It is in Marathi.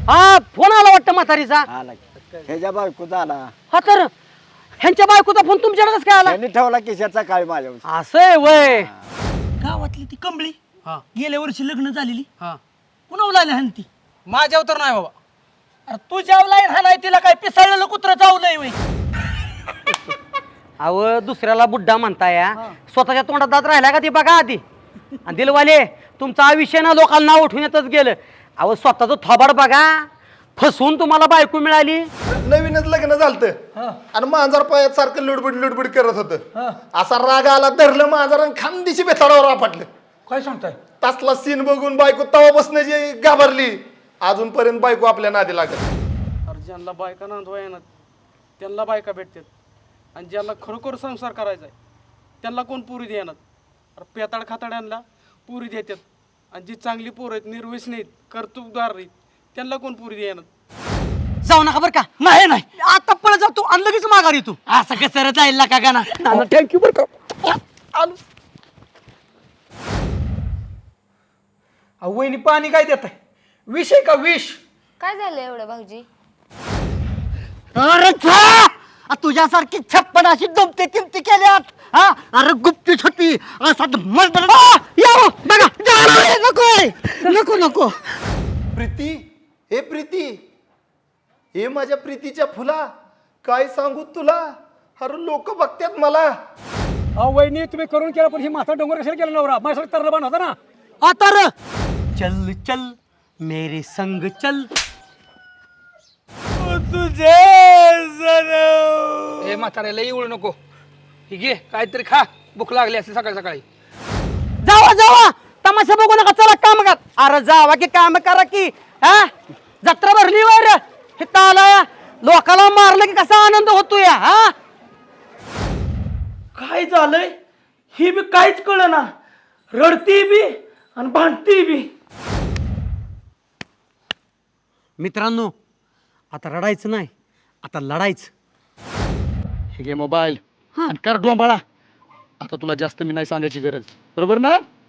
हा फोन आला वाटतं म्हातारीचा. आला ह्याच्या बायकोचा आला. हा तर ह्यांच्या बायकोचा फोन तुमच्याकडेच काय आला? त्यांनी ठेवला खिशाचा काळ माझ्या. असं आहे वय. गावातली ती कंबळी हा गेल्या वर्षी लग्न झालेली हा पुन्हा लागली हान ती. माझ्यावर तर नाही बाबा. अरे तू जावलाय हा नाही तिला काय पिसाळलेलं कुत्र चावलंय वय. अहो दुसऱ्याला बुड्ढा म्हणताय हा. स्वतःच्या तोंडात दात राहिला का ते बघा आधी. आणि दिलवाले तुमचा आयुष्य ना लोकांना नाव उठून येतच गेलं. अहो स्वतःचं थोबाड बघा. फसवून तुम्हाला बायको मिळाली. नवीनच लग्न झालतं आणि मांजर पायात सारखं लुडबुड लुडबुड करत होतं. असा राग आला धरलं मांजर आणि खानदेशी बेताडावर आपटलं. काय सांगताय? तसला सीन बघून बायको तवा बसण्याची घाबरली. अजूनपर्यंत बायको आपल्या नादी लागत. अरे ज्यांना बायका नांदवा येणार त्यांना बायका भेटतात आणि ज्यांना खरोखर संसार करायचा आहे त्यांना कोण पुरी देणार. अरे पेताड खाताड्यांना पुरी देतात आणि जी चांगली पोरं आहेत निर्व्यसनी आहेत कर्तुबदार आहेत त्यांना कोण पुरी देणार. जाऊ नका बरं का. नाही नाही आता पळत जा तू आणि लगेच माघारी तू. असं कसं जाईल का गाना. थँक्यू बरं का. वहिनी पाणी काय देत आहे? विष आहे का विष? काय झालं एवढं भाऊजी? अरे छा! तुझ्यासारखी 56 अशी दमते किमती केल्यात. हा अरे गुप्तीच होती. असा बघा नको नको नको. प्रीती, हे प्रीती, हे माझ्या प्रीतीच्या फुला, काय सांगू तुला. अरे लोक बघतात मला. वहिनी तुम्ही करून केला पण ही माथा डोंगर कशाला केला नवरा माझ्यासाठी तरला बांध होता ना. आता र चल चल मेरे संग चल. ए म्हाताऱ्याला येऊ नको. ही घे काहीतरी खा. भूक लागली असते सकाळी सकाळी. जावा जावा तमाशा बघू नका. चला काम कर. अरे जावा की काम करा की. हा जत्रा भरली वर हे ताला लोकाला मारलं की कसा आनंद होतो या. हा काय झालंय ही बी काहीच कळ ना. रडती बी आणि भांडती बी. मित्रांनो आता रडायचं नाही आता लढायचं. हे घे मोबाईल आणि कर डोंबाळा. आता तुला जास्त मी नाही सांगायची गरज. बरोबर ना.